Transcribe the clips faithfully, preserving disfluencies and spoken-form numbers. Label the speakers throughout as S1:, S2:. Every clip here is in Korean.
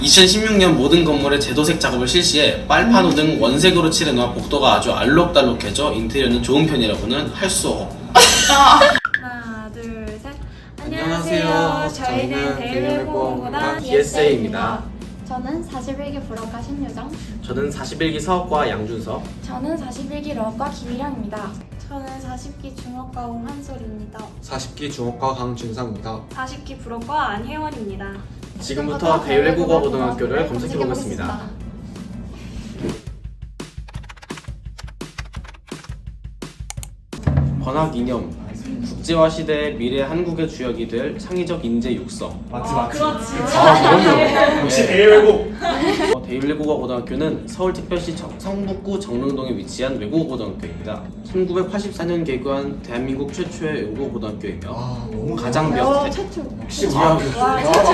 S1: 이천십육 년 모든 건물의 제도색 작업을 실시해 빨판호 등 원색으로 칠해놓아 복도가 아주 알록달록해져 인테리어는 좋은 편이라고는 할 수 없.
S2: 하나, 둘, 셋.
S1: 안녕하세요.
S2: 안녕하세요.
S1: 저희는
S2: 저희는 대일외국어공단
S1: 디에스에이입니다.
S2: 저는 사십일 기 불어과 신유정.
S1: 저는 사십일 기 사업과 양준석.
S2: 저는 사십일 기 러과 김희령입니다. 저는 사십 기 중어과 홍한솔입니다.
S3: 사십 기 중어과 강준상입니다.
S2: 사십 기 불어과 안혜원입니다.
S1: 지금부터 대일외국어고등학교를 검색해보겠습니다. 번학 이념, 국제화 시대의 미래 한국의 주역이 될 창의적 인재 육성.
S3: 맞지 맞지.
S2: 그렇지.
S1: 아, 그럼요.
S3: 역시 대외국.
S1: 어, 대일외국어고등학교는 서울특별시 정- 성북구 정릉동에 위치한 외국어고등학교입니다. 천구백팔십사 년 개교한 대한민국 최초의 외국어고등학교이며
S3: 아 너무
S1: 가장 몇
S2: 어,
S1: 대-
S2: 최초.
S3: 역시
S1: 와,
S2: 와, 최초.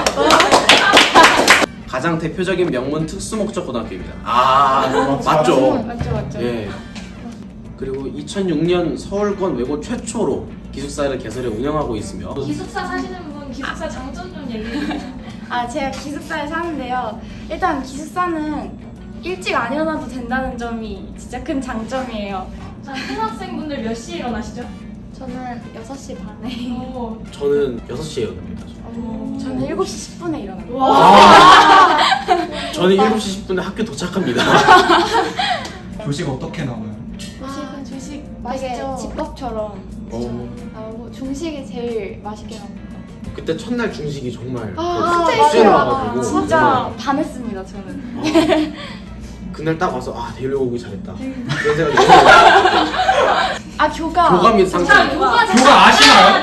S1: 가장 대표적인 명문 특수목적 고등학교입니다. 아, 맞죠?
S2: 맞죠, 맞죠.
S1: 예. 그리고 이천육 년 서울권 외고 최초로 기숙사를 개설해 운영하고 있으며
S4: 기숙사 사시는 분 기숙사 장점 좀 얘기해 주세요.
S2: 아, 제가 기숙사에 사는데요. 일단 기숙사는 일찍 안 일어나도 된다는 점이 진짜 큰 장점이에요.
S4: 자, 신학생분들 몇 시에 일어나시죠?
S2: 저는 여섯 시 반에.
S4: 오.
S1: 저는 여섯 시에 일어납니다.
S2: 저는 일곱 시 십 분에 일어나요.
S1: 아, 저는 일곱 시 십 분에 학교 도착합니다.
S3: 교식 어떻게 나와요?
S2: 조식은 조식 되게
S4: 맛있죠?
S2: 집밥처럼
S1: 어.
S2: 나오고 중식이 제일 맛있게 나옵니다.
S1: 그때 첫날 중식이 정말
S2: 아,
S1: 그
S2: 맞아요.
S1: 쎄나가지고
S2: 진짜 반했습니다, 저는.
S1: 그날 딱 와서 아 대일외고 오기 잘했다 그런 생각이 들어요.
S2: 아, 교가.
S1: 교감이 상승.
S4: 교가
S3: 교가 아시나요?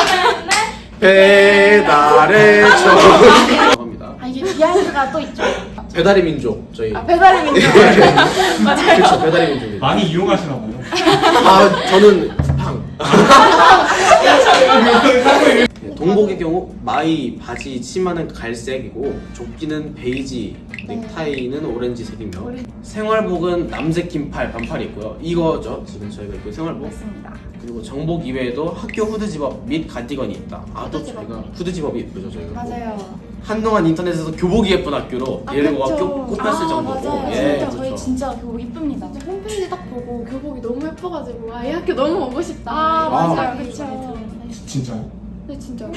S1: 배달의 정 합니다.
S2: 아, 이게 비하인드가 또 있죠.
S1: 배달의 민족 저희.
S2: 아, 배달의 민족. 맞아요.
S1: 그렇죠, 배달의 민족입니다.
S3: 많이 이용하시나 보요.
S1: 아 저는 쿠팡. 동복의 경우 마이 바지 치마는 갈색이고 조끼는 베이지, 넥타이는 오렌지색이며 생활복은 남색 긴팔 반팔이 있고요. 이거죠 지금 저희가 입고 있는 생활복.
S2: 맞습니다.
S1: 그리고 정복 이외에도 학교 후드 집업 및 가디건이 있다. 아 또
S2: 후드 집업.
S1: 저희가 후드 집업이 예쁘죠 저희가.
S2: 맞아요.
S1: 한동안 인터넷에서 교복이 예쁜 학교로
S2: 아,
S1: 대일외고가
S2: 그쵸.
S1: 꼽혔을
S2: 아,
S1: 정도고.
S2: 맞아요.
S1: 예,
S2: 진짜 저희
S1: 그렇죠.
S2: 진짜 교복 이쁩니다.
S5: 진짜 홈페이지 딱 보고 교복이 너무 예뻐가지고 아, 이 학교 너무 오고 싶다.
S2: 아,
S1: 아.
S2: 맞아요. 그쵸.
S3: 진짜요?
S5: 네 진짜.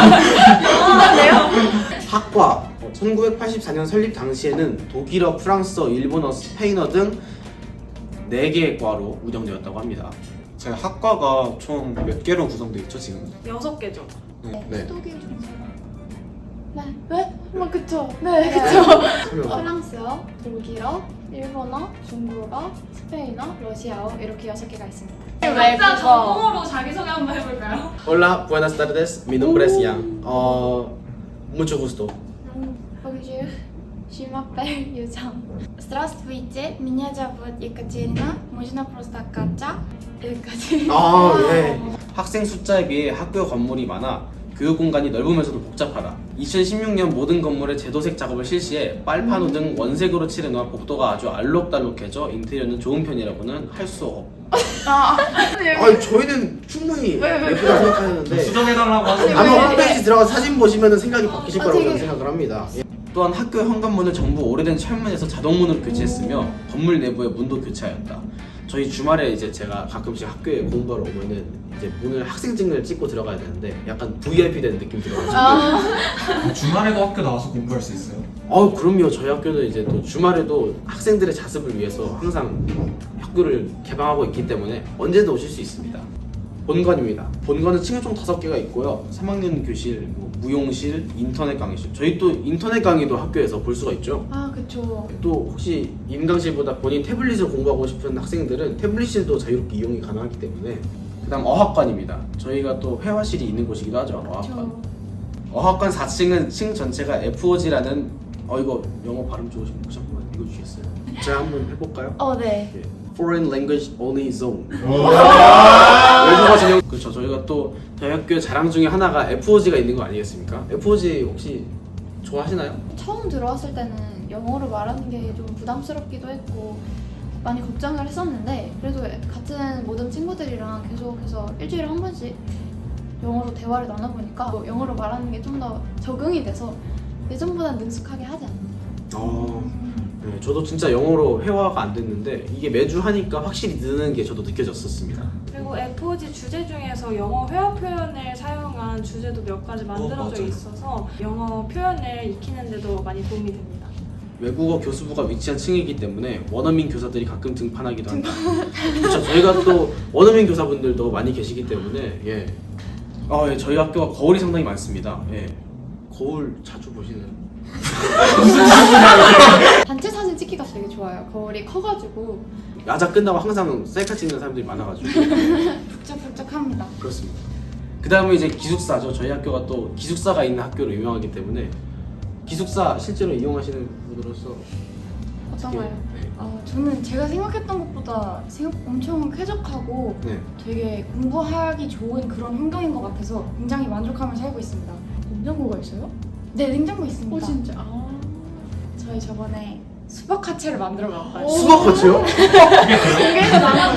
S1: 학과 어, 천구백팔십사 년 설립 당시에는 독일어, 프랑스어, 일본어, 스페인어 등 네 개의 과로 운영되었다고 합니다.
S3: 제 학과가 총 몇 개로 구성되어 있죠 지금?
S4: 여섯 개죠.
S1: 네.
S5: 독일 중세가. 네. 네? 뭐 그쵸. 네 그쵸.
S1: 설명.
S5: 프랑스어, 독일어, 일본어, 중국어, 스페인어, 러시아어 이렇게 여섯 개가 있습니다.
S4: 각자 전공으로 자기소개 한번 해볼까요?
S1: Hola, buenas tardes. Mi nombre es Yang. 어, mucho gusto.
S5: Bonjour, je m'appelle Yuzang. Здравствуйте, меня зовут Екатерина. Можно просто Катя? 여기까지.
S1: 아, 예. 학생 숫자에 비해 학교 건물이 많아 교육 공간이 넓으면서도 복잡하다. 이천십육 년 모든 건물의 제도색 작업을 실시해 빨판호 등 원색으로 칠해놓아 복도가 아주 알록달록해져 인테리어는 좋은 편이라고는 할 수 없.
S2: 아,
S1: 아니 저희는 충분히 예쁘다 생각하는데
S3: 수정해달라고 하시는
S1: 아마 홈페이지 들어가서 사진 보시면 생각이 바뀌실
S5: 아,
S1: 거라고
S5: 되게-
S1: 저는 생각을 합니다. 예. 또한 학교 현관문을 전부 오래된 철문에서 자동문으로 교체했으며 건물 내부의 문도 교체하였다. 저희 주말에 이제 제가 가끔씩 학교에 공부하러 오면은 이제 문을 학생증을 찍고 들어가야 되는데 약간 브이아이피 된 느낌 들어가지고 아,
S3: 주말에도 학교 나와서 공부할 수 있어요?
S1: 어 그럼요. 저희 학교는 이제 또 주말에도 학생들의 자습을 위해서 항상 학교를 개방하고 있기 때문에 언제든 오실 수 있습니다. 본관입니다. 본관은 층이 총 다섯 개가 있고요. 삼 학년 교실, 뭐 무용실, 인터넷 강의실. 저희 또 인터넷 강의도 학교에서 볼 수가 있죠.
S5: 아 그쵸.
S1: 또 혹시 임강실보다 본인 태블릿을 공부하고 싶은 학생들은 태블릿실도 자유롭게 이용이 가능하기 때문에. 그다음 어학관입니다. 저희가 또 회화실이 있는 곳이기도 하죠. 어학관. 어학관 사 층은 층 전체가 에프오지라는 어 이거 영어 발음 좋으신 분 혹시 한번 읽어주시겠어요? 제가 한번 해볼까요?
S2: 어, 네.
S1: 예. Foreign Language Only Zone. 외국어 전용. 그렇죠. 저희가 또 저희 학교 자랑 중에 하나가 에프오지가 있는 거 아니겠습니까? 에프오지 혹시 좋아하시나요?
S5: 처음 들어왔을 때는 영어로 말하는 게 좀 부담스럽기도 했고 많이 걱정을 했었는데 그래도 같은 모든 친구들이랑 계속해서 일주일에 한 번씩 영어로 대화를 나눠보니까 뭐 영어로 말하는 게 좀 더 적응이 돼서 예전보다 능숙하게 하지 않나.
S1: 어, 네, 저도 진짜 영어로 회화가 안 됐는데 이게 매주 하니까 확실히 느는 게 저도 느껴졌었습니다.
S4: 그리고 에프오지 주제 중에서 영어 회화 표현을 사용한 주제도 몇 가지 만들어져
S3: 맞아요.
S4: 있어서 영어 표현을 익히는 데도 많이 도움이 됩니다.
S1: 외국어 교수부가 위치한 층이기 때문에 원어민 교사들이 가끔 등판하기도 한다. 그렇죠. 저희가 또 원어민 교사분들도 많이 계시기 때문에 예. 아, 예, 저희 학교가 거울이 상당히 많습니다. 예. 거울 자주 보시나요?
S5: 단체 사진 찍기가 되게 좋아요. 거울이 커가지고.
S1: 야자 끝나고 항상 셀카 찍는 사람들이 많아가지고
S2: 북적북적합니다.
S1: 그렇습니다. 그 다음에 이제 기숙사죠. 저희 학교가 또 기숙사가 있는 학교로 유명하기 때문에 기숙사 실제로 이용하시는 분으로서
S5: 어떤가요?
S1: 네.
S2: 어, 저는 제가 생각했던 것보다 생각 엄청 쾌적하고
S1: 네.
S2: 되게 공부하기 좋은 그런 환경인 것 같아서 굉장히 만족하면서 살고 있습니다.
S5: 냉장고가 있어요?
S2: 네, 냉장고 있습니다.
S5: 오 진짜. 아.
S2: 저희 저번에 수박 화채를 만들어 봤어요.
S1: 수박 같이요?
S2: 공개해도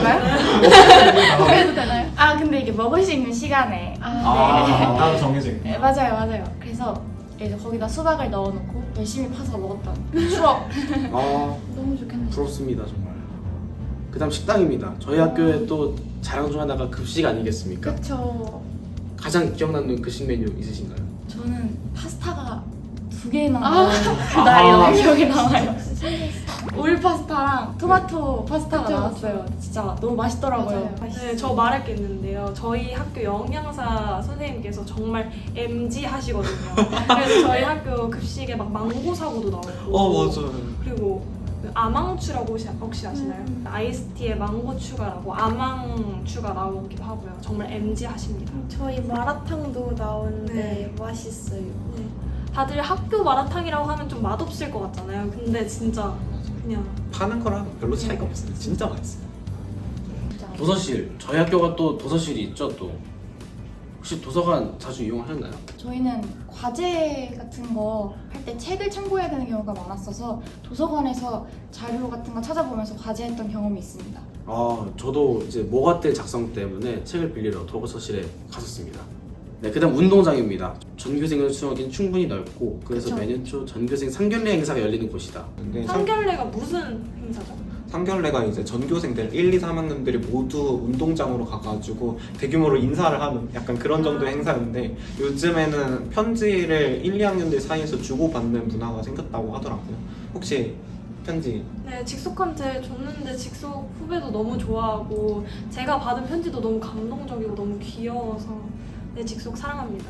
S2: 나가는가요?
S5: 공개해도 되나요?
S2: 아, 근데 이게 먹을 수 있는 시간에.
S5: 아.
S1: 아.
S3: 따로 정해져 있고.
S2: 네, 맞아요, 맞아요. 그래서 이제 거기다 수박을 넣어놓고 열심히 파서 먹었던 추억.
S1: 아,
S5: 너무 좋겠네.
S1: 부럽습니다 정말. 그 다음 식당입니다. 저희 학교에 또 자랑 중 하나가 급식 아니겠습니까?
S5: 그쵸.
S1: 가장 기억나는 급식 메뉴 있으신가요?
S2: 저는 파스타가 두 개나
S5: 아.
S2: 그날이
S1: 아.
S2: 너무 기억에 남아요. 올 파스타랑 토마토 파스타가
S5: 그쵸,
S2: 나왔어요. 진짜 너무 맛있더라고요.
S5: 맞아요.
S4: 네, 저 말할 게 있는데요. 저희 학교 영양사 선생님께서 정말 엠지 하시거든요. 그래서 저희 학교 급식에 막 망고 사고도 나오고.
S3: 어 맞아요.
S4: 그리고 그 아망추라고 혹시, 혹시 아시나요?
S2: 음.
S4: 아이스티에 망고 추가라고 아망추가 나오기도 하고요. 정말 엠지 하십니다.
S6: 저희 마라탕도 나오는데
S4: 네.
S6: 맛있어요.
S4: 네. 다들 학교 마라탕이라고 하면 좀 맛없을 것 같잖아요. 근데 진짜 그냥
S3: 파는 거랑 별로 차이가 없어요. 진짜 맛있어요.
S5: 진짜.
S1: 도서실. 저희 학교가 또 도서실이 있죠 또. 혹시 도서관 자주 이용하셨나요?
S2: 저희는 과제 같은 거 할 때 책을 참고해야 되는 경우가 많았어서 도서관에서 자료 같은 거 찾아보면서 과제했던 경험이 있습니다.
S1: 아, 저도 이제 모과들 작성 때문에 책을 빌리러 도서실에 갔었습니다. 네, 그다음 운동장입니다. 전교생을 수용하기는 충분히 넓고 그래서
S2: 그쵸.
S1: 매년 초 전교생 상견례 행사가 열리는 곳이다.
S3: 근데 상,
S4: 상견례가 무슨 행사죠?
S3: 상견례가 이제 전교생들 일, 이, 삼 학년들이 모두 운동장으로 가가지고 대규모로 인사를 하는 약간 그런 정도의 행사인데 요즘에는 편지를 일, 이 학년들 사이에서 주고받는 문화가 생겼다고 하더라고요. 혹시 편지
S4: 네, 직속한테 줬는데 직속 후배도 너무 좋아하고 제가 받은 편지도 너무 감동적이고 너무 귀여워서 네, 직속 사랑합니다.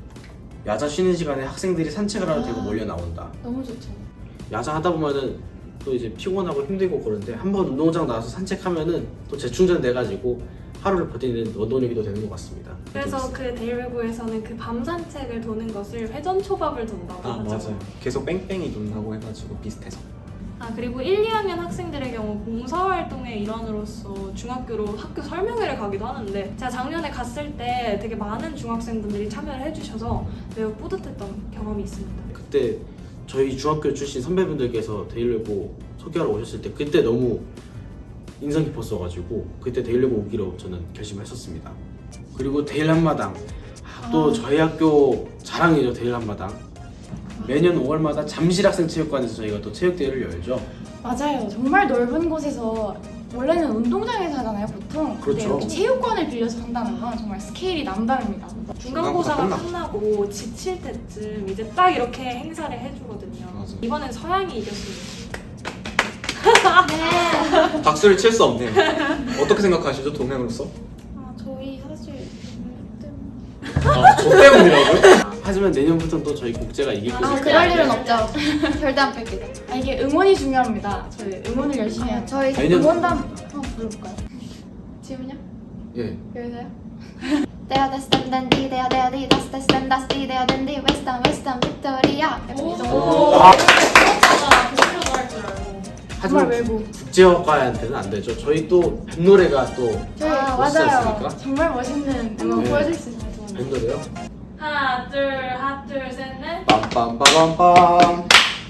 S1: 야자 쉬는 시간에 학생들이 산책을 하러 대고 몰려 나온다.
S5: 너무 좋죠.
S1: 야자 하다 보면은 또 이제 피곤하고 힘들고 그런데 한번 운동장 나와서 산책하면은 또 재충전 돼가지고 하루를 버티는 원동력이 되는 것 같습니다.
S4: 그래서 그 데일외고에서는 그 밤 산책을 도는 것을 회전 초밥을 돈다고
S3: 아
S4: 하죠.
S3: 맞아요. 계속 뺑뺑이 돈다고 해가지고 비슷해서.
S4: 아 그리고 일, 이 학년 학생들의 경우 봉사활동의 일환으로서 중학교로 학교 설명회를 가기도 하는데 제가 작년에 갔을 때 되게 많은 중학생분들이 참여를 해주셔서 매우 뿌듯했던 경험이 있습니다.
S1: 그때 저희 중학교 출신 선배분들께서 데일외고 소개하러 오셨을 때 그때 너무 인상 깊었어가지고 그때 데일외고 오기로 저는 결심했었습니다. 그리고 데일 한마당 아, 또 저희 학교 자랑이죠. 데일 한마당 매년 오월마다 잠실학생체육관에서 저희가 또 체육대회를 열죠.
S2: 맞아요. 정말 넓은 곳에서 원래는 운동장에서 하잖아요, 보통. 근데
S1: 그렇죠.
S2: 이렇게 체육관을 빌려서 한다는 건 정말 스케일이 남다릅니다.
S4: 중간고사가
S3: 끝나.
S4: 끝나고 지칠 때쯤 이제 딱 이렇게 행사를 해주거든요.
S3: 맞아.
S4: 이번엔 서양이 이겼습니다.
S3: 박수를 칠 수 없네요. 어떻게 생각하시죠, 동행으로서?
S6: 아 저희 사실
S3: 아, 저 때문이라고요?
S1: 하지만 내년부터는 또 저희 국제가 이길
S2: 아,
S1: 것을
S5: 아, 그럴 일은 없죠. 절대 안 뺏기죠.
S2: 아, 이게 응원이 중요합니다. 저희 응원을 열심히 해야
S5: 아,
S2: 돼요.
S5: 저희
S1: 내년-
S2: 응원단 한번 불러볼까요?
S5: 지금요?
S1: 예.
S5: 여기서요? Dea destem dendi, dea dea di, das destem das di, dea dendi, westam westam victoria. 약간 이 정도.
S1: 아,
S4: 아, 독일어도 할 줄 알고.
S1: 하지만
S2: 정말 외국.
S1: 국제학과한테는 안 되죠. 저희 또 뱃노래가 또
S2: 저희
S1: 멋지지
S2: 맞아요.
S1: 않습니까?
S2: 정말 멋있는 응원
S1: 네.
S2: 보여줄 수 있어요. 저는.
S1: 뱃노래요?
S4: 하나, 둘, 하나, 둘, 셋, 넷.
S1: 빰빰빠밤빰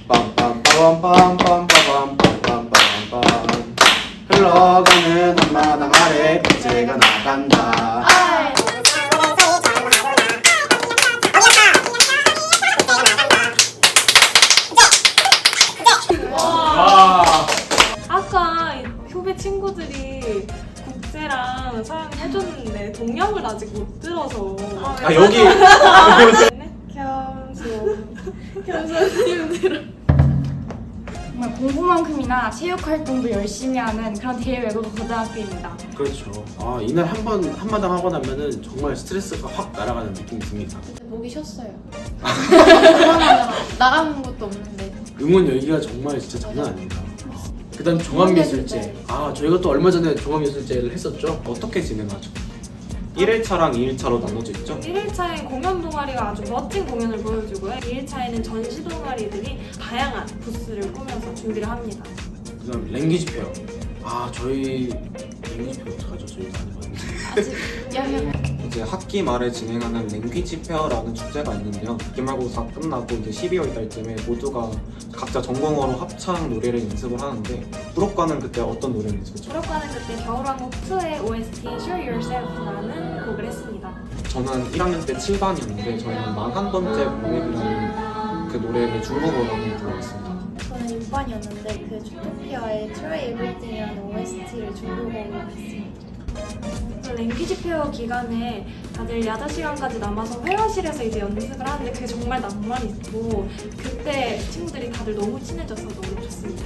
S1: 빰빰빠밤빰빰빰빰빰빰빰빰 흘러가는 한마당 아래 국제가 나간다.
S2: 아이.
S4: 후배 친구들이 국제랑 서양 해줬는데 동영을 아직 못 들어서
S1: 아 여기
S6: 겸손 겸손님들
S2: 정말 공부만큼이나 체육 활동도 열심히 하는 그런 대외 외국어 고등학교입니다.
S1: 그렇죠. 아 이날 한 번 한마당 하고 나면은 정말 스트레스가 확 날아가는 느낌이 듭니다.
S5: 목이 쉬었어요. 그러면 나가는 것도 없는데.
S1: 응원 열기가 정말 진짜 장난 아닙니다. 그다음 종합예술제. 아 저희가 또 얼마 전에 종합예술제를 했었죠.
S3: 어떻게 진행하죠? 일 일차랑 이 일차로 나눠져 있죠?
S4: 일 일차엔 공연 동아리가 아주 멋진 공연을 보여주고요. 이 일차에는 전시 동아리들이 다양한 부스를 꾸며서 준비를 합니다.
S1: 그다음 랭귀지 페어. 아 저희 랭귀지 페어 어떡하죠? 저희도 안 해봤는데.
S5: 아직 이 학년
S3: 이제 학기 말에 진행하는 랭귀지 페어라는 축제가 있는데요. 기말고사 끝나고 이제 십이월 달쯤에 모두가 각자 전공어로 합창 노래를 연습을 하는데 부록과는 그때 어떤 노래를 연습했죠?
S4: 졸업과는 그때 겨울왕국 이의 오에스티 Show Yourself라는 곡을 했습니다.
S3: 저는 일 학년 때 칠 반이었는데 저희는 만한 번째 보내기라는 그 노래를 중국어로 불러봤습니다.
S6: 저는 육 반이었는데 그 주토피아의 Try Everything이라는 오에스티를 중국어로 했습니다.
S4: 랭귀지 페어 기간에 다들 야자 시간까지 남아서 회화실에서 이제 연습을 하는데 그게 정말 낭만 있고 그때 친구들이 다들 너무 친해져서 너무 좋습니다.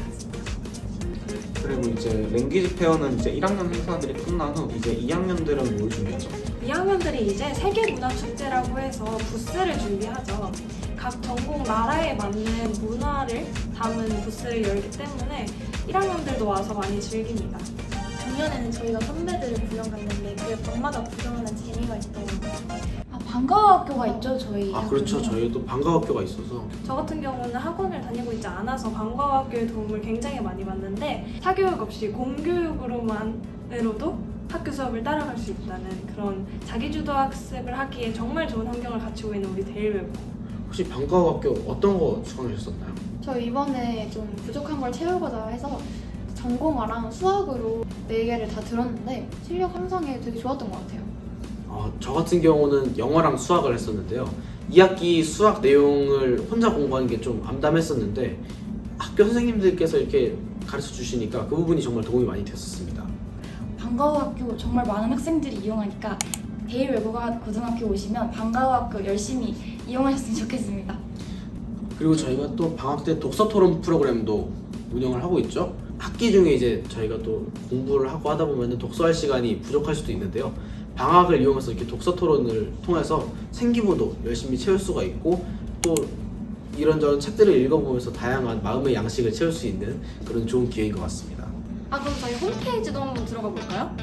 S3: 그리고 이제 랭귀지 페어는 이제 일 학년 행사들이 끝난 후 이제 이 학년들은 뭘 준비했죠?
S4: 이 학년들이 이제 세계문화축제라고 해서 부스를 준비하죠. 각 전국 나라에 맞는 문화를 담은 부스를 열기 때문에 일 학년들도 와서 많이 즐깁니다.
S6: 작년에는 저희가 선배들을 구경 갔는데 그 방마다 구경하는 재미가 있더라고요.
S2: 아, 방과학교가 있죠 저희.
S1: 아 그렇죠.
S2: 학교는.
S1: 저희도 방과학교가 있어서
S4: 저 같은 경우는 학원을 다니고 있지 않아서 방과학교의 도움을 굉장히 많이 받는데 사교육 없이 공교육으로만으로도 학교 수업을 따라갈 수 있다는 그런 자기주도 학습을 하기에 정말 좋은 환경을 갖추고 있는 우리 대일외고.
S1: 혹시 방과학교 어떤 거 추천하셨었나요?
S5: 저 이번에 좀 부족한 걸 채우고자 해서 전공어랑 수학으로 네 개를 다 들었는데 실력 향상에 되게 좋았던 것 같아요.
S1: 어, 저 같은 경우는 영어랑 수학을 했었는데요. 이 학기 수학 내용을 혼자 공부하는 게 좀 암담했었는데 학교 선생님들께서 이렇게 가르쳐 주시니까 그 부분이 정말 도움이 많이 됐었습니다.
S2: 방과후학교 정말 많은 학생들이 이용하니까 대일외국어 고등학교 오시면 방과후학교 열심히 이용하셨으면 좋겠습니다.
S1: 그리고 저희가 또 방학 때 독서 토론 프로그램도 운영을 하고 있죠. 학기 중에 이제 저희가 또 공부를 하고 하다 보면 독서할 시간이 부족할 수도 있는데요. 방학을 이용해서 이렇게 독서 토론을 통해서 생기부도 열심히 채울 수가 있고 또 이런저런 책들을 읽어보면서 다양한 마음의 양식을 채울 수 있는 그런 좋은 기회인 것 같습니다.
S4: 아 그럼 저희 홈페이지도 한번 들어가 볼까요?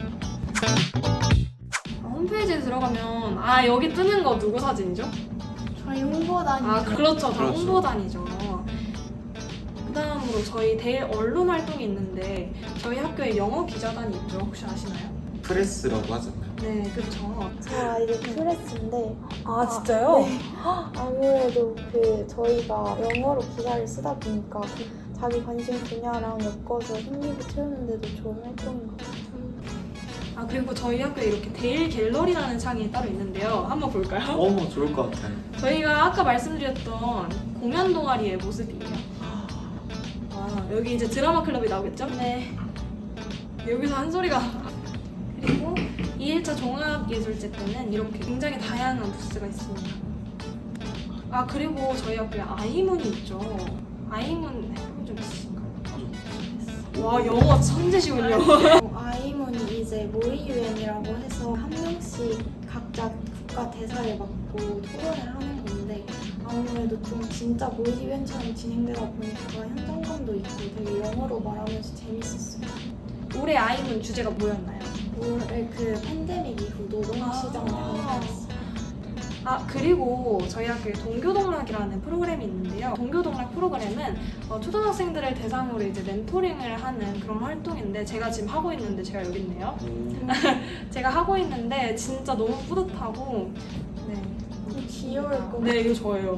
S4: 아, 홈페이지에 들어가면 아 여기 뜨는 거 누구 사진이죠?
S6: 저희 홍보단이
S4: 아 그렇죠, 다
S1: 그렇죠.
S4: 홍보단이죠. 그 다음으로 저희 대일 언론 활동이 있는데 저희 학교에 영어 기자단이 있죠. 혹시 아시나요?
S3: 프레스라고 하잖아요.
S4: 네, 그렇죠.
S6: 저 아이디 프레스인데
S4: 아 진짜요?
S6: 네. 아무래도 그 저희가 영어로 기사를 쓰다 보니까 그 자기 관심 분야랑 엮어서 생기부 채우는데도 좋은 활동인 것 같아요.
S4: 아 그리고 저희 학교에 이렇게 대일 갤러리라는 창이 따로 있는데요. 한번 볼까요?
S3: 어, 좋을 것 같아요.
S4: 저희가 아까 말씀드렸던 공연 동아리의 모습이에요. 아, 여기 이제 드라마 클럽이 나오겠죠? 네. 여기서 한 소리가. 그리고 이 일차 종합예술제 때는 이렇게 굉장히 다양한 부스가 있습니다. 아 그리고 저희 학교에 아이문이 있죠. 아이문 해본 적 있으신가요? 와 영어 천재시군요.
S6: 아이문이 이제 모의 유엔이라고 해서 한 명씩 각자 국가 대사를 맡고 토론을 하는 건데 아무래도 좀 진짜 모의 유엔처럼 진행되다 보니까 현장감도 있고 되게 영어로 말하면서 재밌었어요.
S4: 올해 아이문 주제가 뭐였나요?
S6: 올해 그 팬데믹 이후 노동시장 변화였어요.
S4: 아 그리고 저희 학교에 동교동락이라는 프로그램이 있는데요. 동교동락 프로그램은 어, 초등학생들을 대상으로 이제 멘토링을 하는 그런 활동인데 제가 지금 하고 있는데 제가 여기 있네요. 제가 하고 있는데 진짜 너무 뿌듯하고 네,
S6: 귀여울 것
S4: 네 이거 저예요.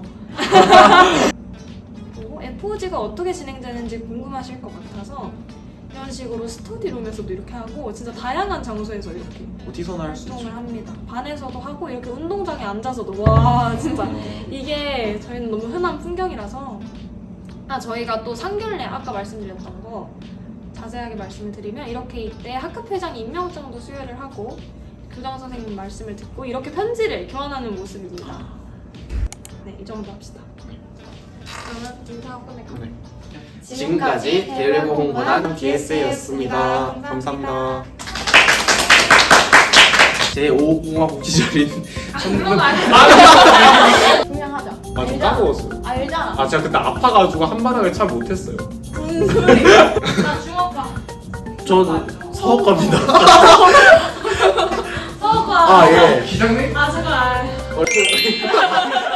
S4: 그리고 에프오지가 어떻게 진행되는지 궁금하실 것 같아서 이런 식으로 스터디룸에서도 이렇게 하고 진짜 다양한 장소에서 이렇게
S3: 어디서나 할 수 있죠.
S4: 활동을 합니다. 반에서도 하고 이렇게 운동장에 앉아서도 와 진짜 이게 저희는 너무 흔한 풍경이라서 아 저희가 또 상견례 아까 말씀드렸던 거 자세하게 말씀을 드리면 이렇게 이때 학급회장 임명장도 수여를 하고 교장 선생님 말씀을 듣고 이렇게 편지를 교환하는 모습입니다. 네, 이 정도 합시다. 그러면 인사하고 끝낼까요?
S3: 네.
S1: 지금까지 대외고 공부단
S3: 비에스에이였습니다. 감사합니다.
S1: 제오 공화국 시절인
S4: 그건 아니에요.
S5: 분명하자.
S3: 아, 저 까먹었어요.
S5: 알잖아.
S3: 아, 제가 그때 아파가지고 한바닥을 잘 못했어요.
S4: 나 중학과.
S1: 저는 사업가입니다.
S4: 서과.
S1: 아 예.
S3: 기장님?
S4: 아, 제가.
S1: 얼굴